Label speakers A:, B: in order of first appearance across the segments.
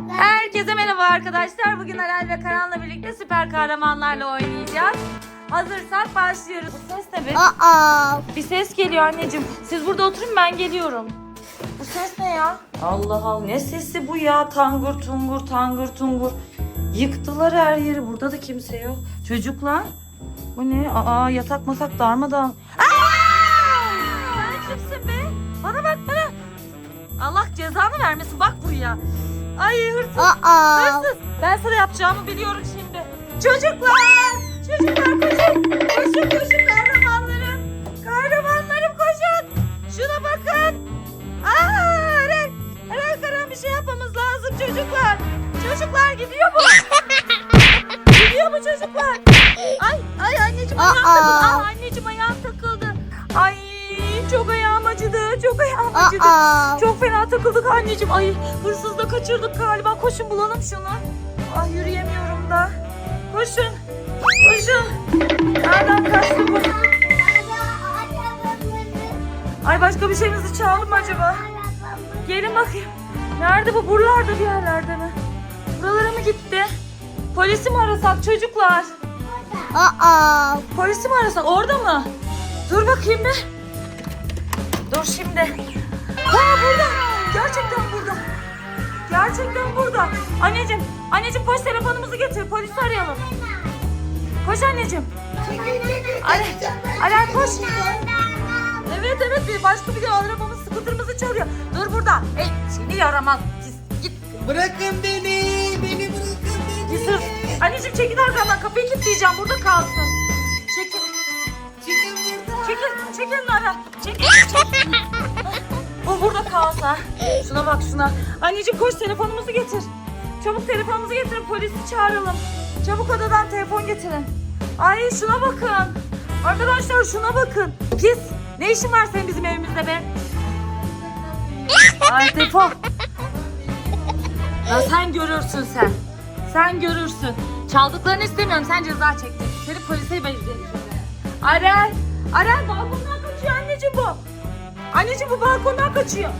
A: Herkese merhaba arkadaşlar. Bugün Aral ve Karan'la birlikte süper kahramanlarla oynayacağız. Hazırsak başlıyoruz. Bu ses ne be? Bir ses geliyor anneciğim. Siz burada oturun, ben geliyorum. Bu ses ne ya? Allah Allah, ne sesi bu ya? Tangur tungur tangur tungur. Yıktılar her yeri. Burada da kimse yok. Çocuklar. Bu ne? Yatak masak darmadan. Sen kimsin be? Bana bak bana. Allah cezanı vermesin, bak buraya. Ay hırsız. Hırsız. Ben sana yapacağımı biliyorum şimdi. Çocuklar koşun. Koşun kahramanlarım. Kahramanlarım koşun. Şuna bakın. Eren Karan, bir şey yapmamız lazım çocuklar. Çocuklar gidiyor mu? Gidiyor mu çocuklar? Ay anneciğim ayağım takıldı. Anneciğim ayağım takıldı. Ay çok ayağım acıdı. Çok fena takıldık anneciğim. Ay hırsız da kaçırdık galiba. Koşun bulalım şunu. Ay yürüyemiyorum da. Koşun. Nereden kaçtı bu? Ay başka bir şeyimizi çaldı mı acaba? Gelin bakayım. Nerede bu? Buralarda bir yerlerde mi? Buralara mı gitti? Polisi mi arasak çocuklar? Polisi mi arasak? Orada mı? Dur bakayım bir. Dur şimdi. Burada. Gerçekten burada. Anneciğim koş, telefonumuzu getir. Polisi arayalım. Koş anneciğim. Alen koş. Evet bir başka bir arabamız, skuterımızı çalıyor. Dur burada. Hey seni yaramaz. Git.
B: Bırakın beni bırakın beni.
A: Git. Anneciğim çekil arkamdan, kapıyı kilitleyeceğim, burada kalsın. Çekil.
B: Çıkın buradan.
A: Çekil Nara. Çekil. Bu burada kalsa. Şuna bak şuna. Anneciğim koş, telefonumuzu getir. Çabuk telefonumuzu getirin, polisi çağıralım. Çabuk odadan telefon getirin. Ay şuna bakın. Arkadaşlar şuna bakın. Pis. Ne işin var senin bizim evimizde be? Ay defol. Ya sen görürsün sen. Sen görürsün. Çaldıklarını istemiyorum. Sen ceza çektin. Seni polise vereceğim. Arel balkondan kaçıyor anneciğim bu. Anneciğim bu balkondan kaçıyor.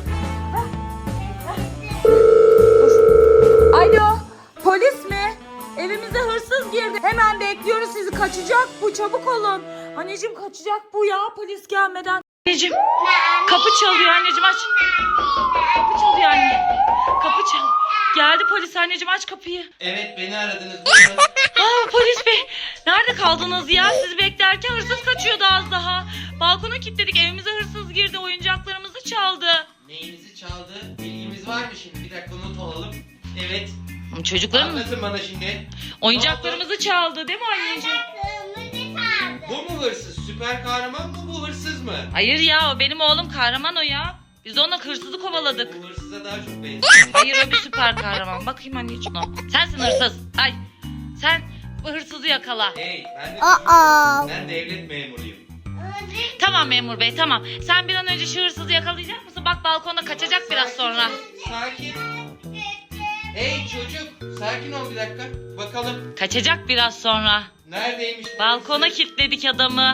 A: Alo, polis mi? Evimize hırsız girdi. Hemen bekliyoruz sizi. Kaçacak bu, çabuk olun. Anneciğim kaçacak bu ya, polis gelmeden. Anneciğim kapı çalıyor, anneciğim aç. Kapı çalıyor anne. Kapı çal. Geldi polis, anneciğim aç kapıyı.
B: Evet beni aradınız.
A: Polis bey, nerede kaldınız ya? Sizi beklerken hırsız kaçıyordu az daha. Balkona kilitledik, evimize hırsız girdi, oyuncaklarımızı çaldı.
B: Neyinizi çaldı? Bilgimiz var mı şimdi? Bir dakika not alalım. Evet.
A: Çocuklarım
B: Anlatın bana şimdi.
A: oyuncaklarımızı çaldı değil mi anneciğim?
B: Bu mu hırsız? Süper kahraman mı, bu hırsız mı?
A: Hayır ya, o benim oğlum, kahraman o ya. Biz de ona hırsızı kovaladık.
B: Bu hırsıza daha çok benziyor.
A: Hayır, o bir süper kahraman. Bakayım anneciğim o. Sensin hırsız. Ay sen bu hırsızı yakala.
B: Hey ben devlet memuruyum.
A: Tamam memur bey, tamam. Sen bir an önce şu hırsızı yakalayacak mısın? Bak balkona kaçacak biraz sonra.
B: Sakin. Hey çocuk, sakin ol bir dakika. Bakalım.
A: Kaçacak biraz sonra.
B: Neredeymiş bu
A: Balkona
B: hırsız?
A: kilitledik adamı.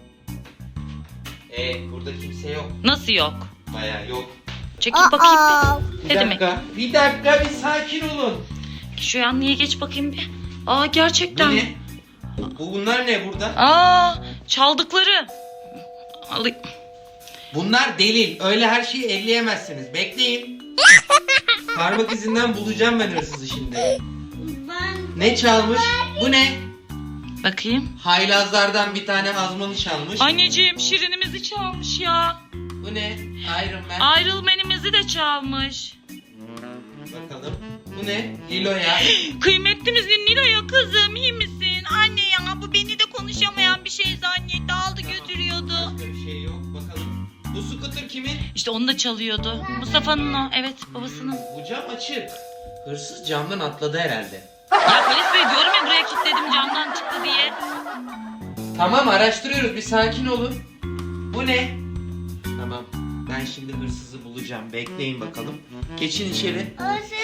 B: Burada kimse yok.
A: Nasıl yok?
B: Bayağı yok.
A: Çekil bakayım bir.
B: Bir
A: Ne demek?
B: dakika. Bir dakika, bir sakin olun.
A: Şu yanlıya geç bakayım bir.
B: Bu
A: Gerçekten.
B: ne? Bunlar ne burada?
A: Çaldıkları. Alayım.
B: Bunlar delil. Öyle her şeyi elleyemezsiniz. Bekleyin. Parmak izinden bulacağım ben hırsızı şimdi. Ne çalmış? Bu ne?
A: Bakayım.
B: Haylazlardan bir tane azmanı çalmış.
A: Anneciğim şirinimizi çalmış ya.
B: Bu ne? Iron Man.
A: Ayrılmenimizi de çalmış.
B: Bakalım. Bu ne? Lilo'ya.
A: Kıymetlimizin Nilo'ya kızım, iyi misin? Anne ya, bu beni de konuşamayan bir şey zannetti, aldı götürüyordu.
B: Başka bir şey yok. Bakalım. Bu scooter kimin?
A: İşte onu da çalıyordu. Mustafa'nın o, evet babasının.
B: Bu cam açık. Hırsız camdan atladı herhalde.
A: Ya polis bey, diyorum ya buraya kilitledim camdan çıktı diye.
B: Tamam, araştırıyoruz. Bir sakin olun. Bu ne? Tamam. Ben şimdi hırsızı bulacağım. Bekleyin bakalım. Geçin içeri.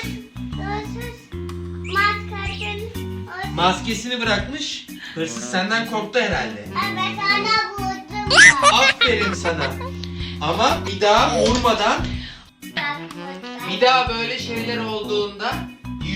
B: Maskesini bırakmış. Hırsız senden korktu herhalde. Aferin sana. Ama bir daha vurmadan, bir daha böyle şeyler olduğunda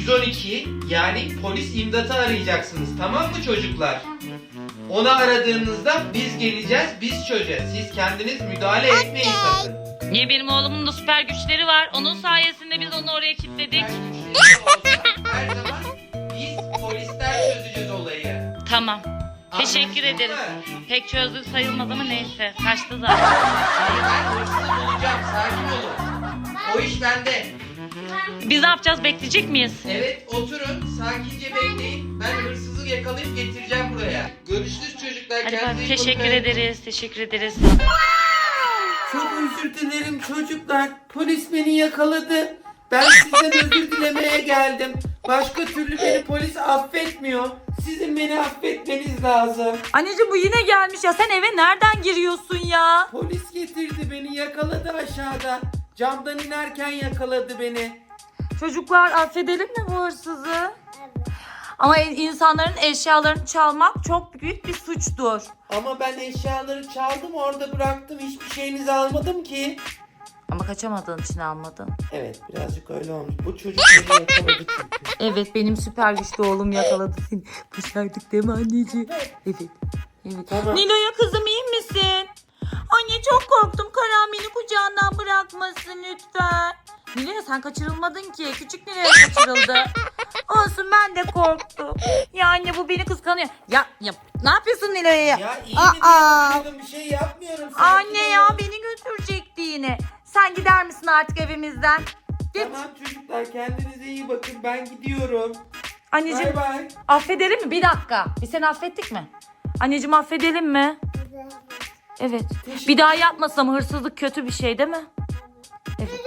B: 112 yani polis imdatı arayacaksınız, tamam mı çocuklar? Onu aradığınızda biz geleceğiz, biz çözeceğiz. Siz kendiniz müdahale etmeyin sakın.
A: Niye, benim oğlumun da süper güçleri var. Onun sayesinde biz onu oraya kilitledik.
B: Her zaman biz polisler çözeceğiz olayı.
A: Tamam. Teşekkür
B: Anlaşıldı
A: ederiz.
B: mı?
A: Pek çözdük sayılmaz ama neyse. Kaçtı zaten.
B: Hayır, ben hırsızı bulacağım, sakin olun. O iş bende.
A: Biz ne yapacağız? Bekleyecek miyiz?
B: Evet, oturun, sakince bekleyin. Ben hırsızı yakalayıp getireceğim buraya. Görüşürüz çocuklar.
A: Hadi
B: kendinize
A: bak,
B: iyi
A: teşekkür
B: bakın.
A: ederiz. Teşekkür ederiz.
C: Çok özür dilerim çocuklar. Polis beni yakaladı. Ben sizden özür dilemeye geldim. Başka türlü beni polis affetmiyor. Sizin beni affetmeniz lazım.
A: Anneciğim bu yine gelmiş ya. Sen eve nereden giriyorsun ya?
C: Polis getirdi beni, yakaladı aşağıda. Camdan inerken yakaladı beni.
A: Çocuklar affedelim mi bu hırsızı? Ama insanların eşyalarını çalmak çok büyük bir suçtur.
C: Ama ben eşyaları çaldım, orada bıraktım. Hiçbir şeyinizi almadım ki.
A: Ama kaçamadığın için almadın.
C: Evet, birazcık öyle olmuş. Bu çocuk beni yakaladı çünkü.
A: Evet, benim süper güçlü oğlum yakaladı seni. Başardık değil mi anneciğim? Evet. Evet.
C: Tamam.
A: Nilo'ya kızım, iyi misin? Anne çok korktum. Karan beni kucağından bırakmasın lütfen. Nilo'ya sen kaçırılmadın ki. Küçük Nilo'ya kaçırıldı. Olsun, ben de korktum. Ya anne, bu beni kıskanıyor. Ya ne yapıyorsun Nilo'ya?
C: Ya iyi mi diye bakıyordum, bir şey yapmıyorum. Sakin
A: Anne ya,
C: olun.
A: beni götürecekti yine. Sen gider misin artık evimizden? Git.
C: Tamam çocuklar, kendinize iyi bakın, ben gidiyorum.
A: Anneciğim,
C: Bay bay.
A: affedelim mi? Bir dakika. Biz seni affettik mi? Anneciğim, affedelim mi? Evet. Bir daha yapmasam, hırsızlık kötü bir şey değil mi? Evet.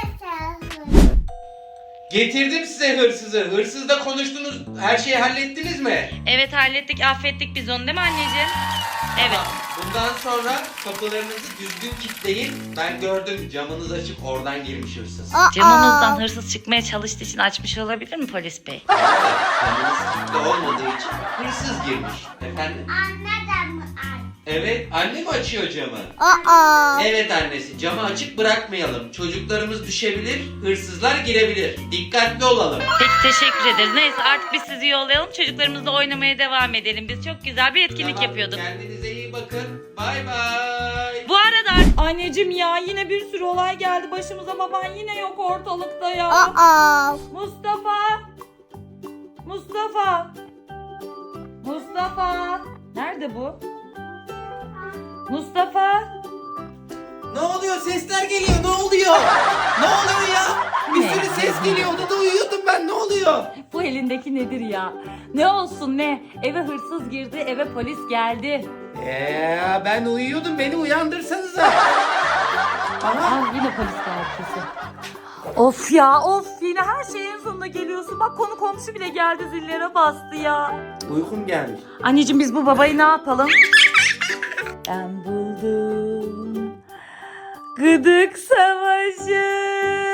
B: Getirdim size hırsızı. Hırsızla konuştunuz. Her şeyi hallettiniz mi?
A: Evet, hallettik, affettik biz onu değil mi anneciğim? Evet.
B: Bundan sonra kapılarınızı düzgün kilitleyin. Ben gördüm, camınız açık, oradan girmiş hırsız.
A: Camımızdan hırsız çıkmaya çalıştığı için açmış olabilir mi polis bey?
B: Camınız kilitli olmadığı için hırsız girmiş. Efendim? Evet, anne mi açıyor camı? Evet annesi, camı açık bırakmayalım. Çocuklarımız düşebilir, hırsızlar girebilir. Dikkatli olalım.
A: Peki, teşekkür ederiz. Neyse, artık biz sizi yollayalım. Çocuklarımızla oynamaya devam edelim. Biz çok güzel bir etkinlik
B: Tamam,
A: yapıyorduk.
B: kendinize iyi bakın. Bay bay.
A: Bu arada anneciğim ya, yine bir sürü olay geldi başımıza. Baban yine yok ortalıkta ya. Mustafa. Mustafa. Mustafa. Nerede bu? Mustafa.
C: Ne oluyor? Sesler geliyor. Ne oluyor? Ne oluyor ya? Bir
A: Ne?
C: sürü ses geliyor. Odada uyuyordum ben. Ne oluyor?
A: Bu elindeki nedir ya? Ne olsun ne? Eve hırsız girdi, eve polis geldi.
C: Ben uyuyordum. Beni uyandırsanıza. Aha.
A: Aa, yine polis geldi kesin. Of ya, of, yine her şeyin sonunda geliyorsun. Bak, konu komşu bile geldi, zillere bastı ya.
C: Uykum gelmiş.
A: Anneciğim, biz bu babayı ne yapalım? Ben buldum. Gıdık savaşı.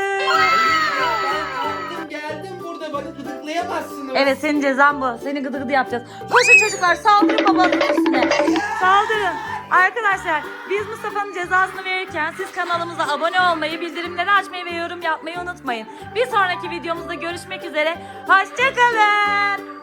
C: Ben geldim burada. Bana gıdıklayamazsınız.
A: Evet, senin cezan bu. Seni gıdı gıdı yapacağız. Koşun çocuklar, saldırın babanın üstüne. Saldırın. Arkadaşlar, biz Mustafa'nın cezasını verirken siz kanalımıza abone olmayı, bildirimleri açmayı ve yorum yapmayı unutmayın. Bir sonraki videomuzda görüşmek üzere. Hoşça kalın.